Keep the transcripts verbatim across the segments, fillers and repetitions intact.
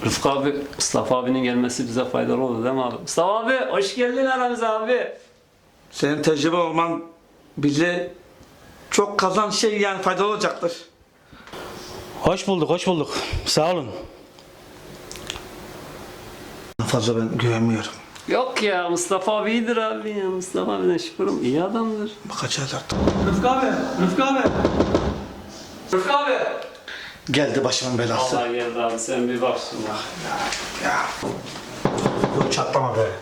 Rıfkı abi, Mustafa abinin gelmesi bize faydalı oldu değil mi abi? Mustafa abi, hoş geldin aramıza abi. Senin tecrübe olman bize çok kazan şey yani faydalı olacaktır. Hoş bulduk, hoş bulduk. Sağ olun. Fazla ben güvenmiyorum. Yok ya, Mustafa abi iyidir abi ya. Mustafa abiden şükürüm, iyi adamdır. Bakacağız artık. Rıfkı abi, Rıfkı abi. Rıfkı abi. Geldi başımın belası. Allah geldi abi, sen bir bak şuna. Ya. Dur çatlama be.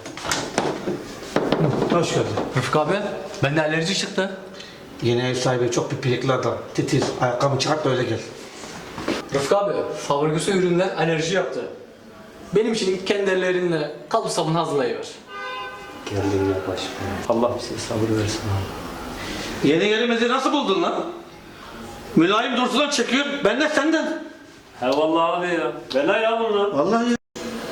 Hoş geldin. Rıfkı abi, bende alerji çıktı. Yeni ev sahibi çok pipirikli adam. Titiz. Ayakkabını çıkart da öyle gel. Rıfkı abi, fabrikası ürünler alerji yaptı. Benim için kendi ellerinle kalıp sabun hazırlayıver. Geldin ya başım. Allah bize sabır versin abi. Yeni gelimizi nasıl buldun lan? Mülayim Dursun'dan çekiyor. Ben de senden. He vallahi abi ya. Bela ya bunlar. Vallahi ya.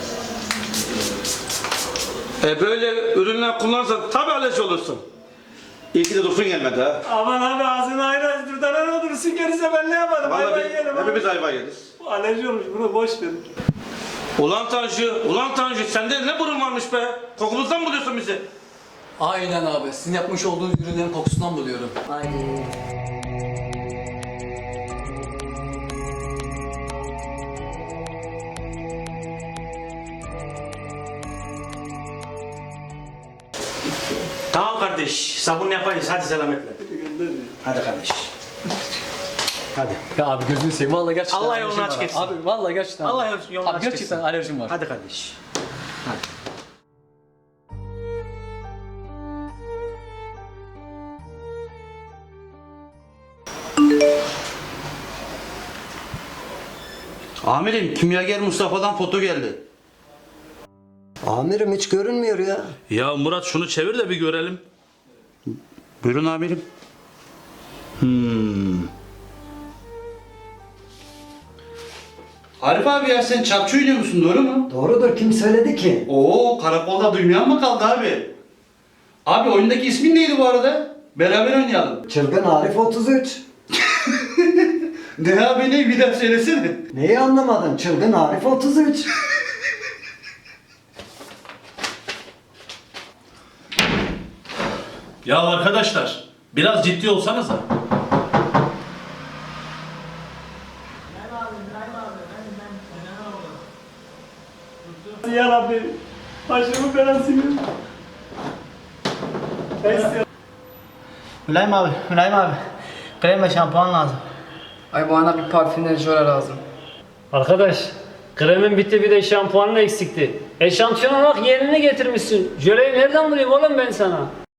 E böyle ürünler kullanırsan tabii alerji olursun. İyi ki de Dursun gelmedi ha. Aman abi ağzını ayrı aç. Durdan ne olursun gelirse ben ne yaparım? Vallahi Hayvan biz, yerim. hepimiz ayva yeriz. Alerji olmuş, bunu boş ver. Ulan Tanju, ulan Tanju sende ne burun varmış be? Kokumuzdan mı buluyorsun bizi? Aynen abi, sizin yapmış olduğunuz ürünlerin kokusundan buluyorum. Haydi. Tamam kardeş, sabun yaparız. Hadi selametle. Hadi kardeş. Hadi. Ya abi gözünü seveyim, vallahi gerçekten Allah alerjim yolunu var açık abi. etsin. Abi vallahi gerçekten. Allah yolunu abi, açık gerçekten etsin. alerjim var. Hadi kardeş. Amirim, kimyager Mustafa'dan foto geldi. Amirim hiç görünmüyor ya. Ya Murat şunu çevir de bir görelim. Buyurun amirim. Hmm. Arif abi ya sen çapçı oynuyor musun, doğru mu? Doğrudur, kim söyledi ki? Oo, karakolda duymayan mı kaldı abi? Abi oyundaki ismin neydi bu arada? Beraber oynayalım. Çılgın Arif otuz üç. Ne abi ne, bir daha söylesene. Neyi anlamadın? Çılgın Arif otuz üç. Ya arkadaşlar, biraz ciddi olsanıza. Ya Rabbi, başımın belasını. Mülayim abi, Mülayim abi. Krem ve şampuan lazım. Ay bana bir parfümler jöle lazım. Arkadaş, kremin bitti bir de şampuanın eksikti. Eşantiyona bak yerini getirmişsin. Jöleyi nereden bulayım oğlum ben sana?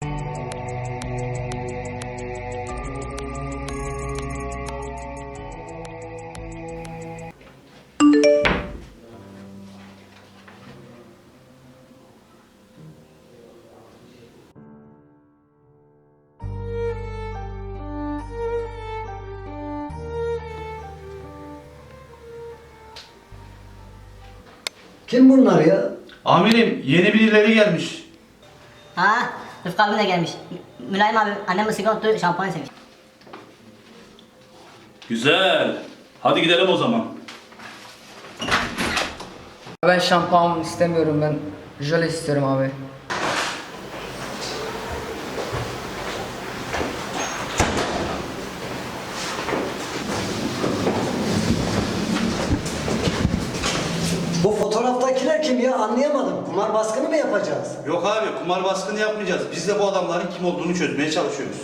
Kim bunlar ya? Amirim, yeni birileri gelmiş. Ha, Rıfkı abi de gelmiş. Mü- Mülayim abi, annem ısık unuttu, şampuan istemiş. Güzel. Hadi gidelim o zaman. Ben şampuan istemiyorum, ben jöle istiyorum abi. Bu fotoğraftakiler kim ya? Anlayamadım. Kumar baskını mı yapacağız? Yok abi, kumar baskını yapmayacağız. Biz de bu adamların kim olduğunu çözmeye çalışıyoruz.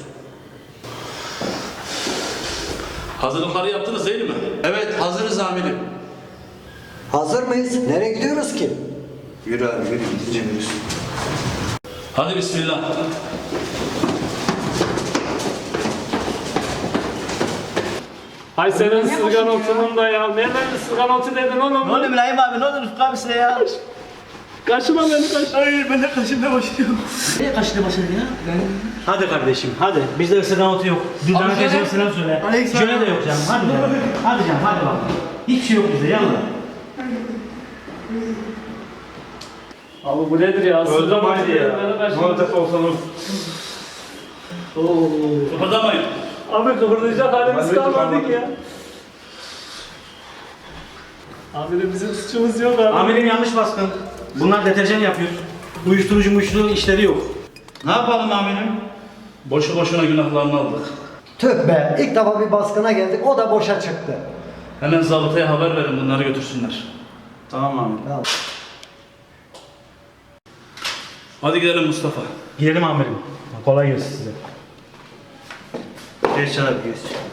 Hazırlıkları yaptınız değil mi? Evet, hazırız amirim. Hazır mıyız? Nereye gidiyoruz ki? Yürü abi, yürü. Gidince yürüsün. Hadi bismillah. Hay senin sırgan otunun da ya. Nereden sırgan otu dedin oğlum? Ne oluyor Mülayim abi, ne olur Rıfkı abi size ya? Kaşıma beni kaş. Hayır, ben de kaşımda başlıyorum. Niye kaşında başladın ya? Hadi kardeşim, hadi. Bizde ısırgan otu yok. Düzdana teyzeme selam söyle. Aleyküm Jöle selam. de yok canım. Hadi canım. Hadi canım, hadi bak. Hiçbir şey yok bizde, yallah. Abi bu nedir ya? Sırgan otu dedin beni kaşıma. olsanız. Kıpırdamayın. Abi kıvırlayacak halimiz kalmadı ki ya. Amirim bizim suçumuz yok abi. Amirim yanlış baskın. Bunlar deterjan yapıyor. Uyuşturucu muyuşturucu işleri yok. Ne yapalım amirim? Boşu boşuna günahlarını aldık. Tüh be, ilk defa bir baskına geldik, o da boşa çıktı. Hemen zabıtaya haber verin, bunları götürsünler. Tamam amirim. Ya, Hadi gidelim Mustafa. Gidelim amirim. Kolay gelsin size. Geç Çalar, geç.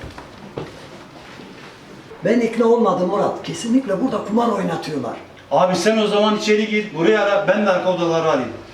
ben ikna olmadım Murat. Kesinlikle burada kumar oynatıyorlar. Abi sen o zaman içeri gir, buraya ara, ben de arka odaları arayayım.